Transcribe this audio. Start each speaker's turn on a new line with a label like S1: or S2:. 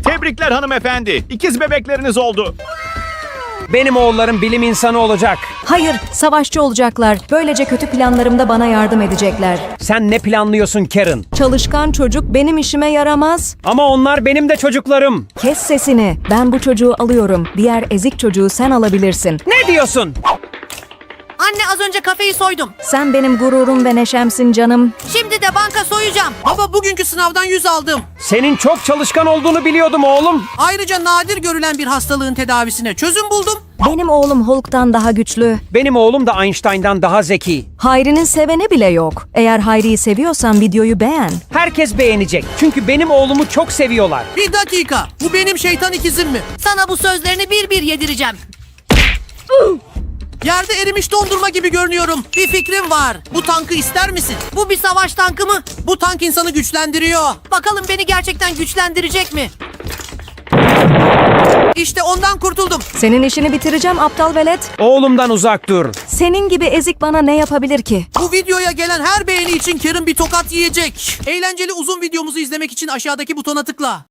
S1: Tebrikler hanımefendi. İkiz bebekleriniz oldu.
S2: Benim oğullarım bilim insanı olacak.
S3: Hayır, savaşçı olacaklar. Böylece kötü planlarımda bana yardım edecekler.
S2: Sen ne planlıyorsun Karen?
S3: Çalışkan çocuk benim işime yaramaz.
S2: Ama onlar benim de çocuklarım.
S3: Kes sesini. Ben bu çocuğu alıyorum. Diğer ezik çocuğu sen alabilirsin.
S2: Ne diyorsun?
S4: Anne az önce kafeyi soydum.
S3: Sen benim gururum ve neşemsin canım.
S4: Şimdi de banka soyacağım.
S5: Baba bugünkü sınavdan 100 aldım.
S2: Senin çok çalışkan olduğunu biliyordum oğlum.
S5: Ayrıca nadir görülen bir hastalığın tedavisine çözüm buldum.
S3: Benim oğlum Hulk'tan daha güçlü.
S2: Benim oğlum da Einstein'dan daha zeki.
S3: Hayri'nin seveni bile yok. Eğer Hayri'yi seviyorsan videoyu beğen.
S2: Herkes beğenecek. Çünkü benim oğlumu çok seviyorlar.
S5: Bir dakika. Bu benim şeytan ikizim mi?
S4: Sana bu sözlerini bir bir yedireceğim.
S5: Yerde erimiş dondurma gibi görünüyorum. Bir fikrim var. Bu tankı ister misin?
S4: Bu bir savaş tankı mı?
S5: Bu tank insanı güçlendiriyor.
S4: Bakalım beni gerçekten güçlendirecek mi?
S5: İşte ondan kurtuldum.
S3: Senin işini bitireceğim aptal velet.
S2: Oğlumdan uzak dur.
S3: Senin gibi ezik bana ne yapabilir ki?
S5: Bu videoya gelen her beğeni için Karen bir tokat yiyecek. Eğlenceli uzun videomuzu izlemek için aşağıdaki butona tıkla.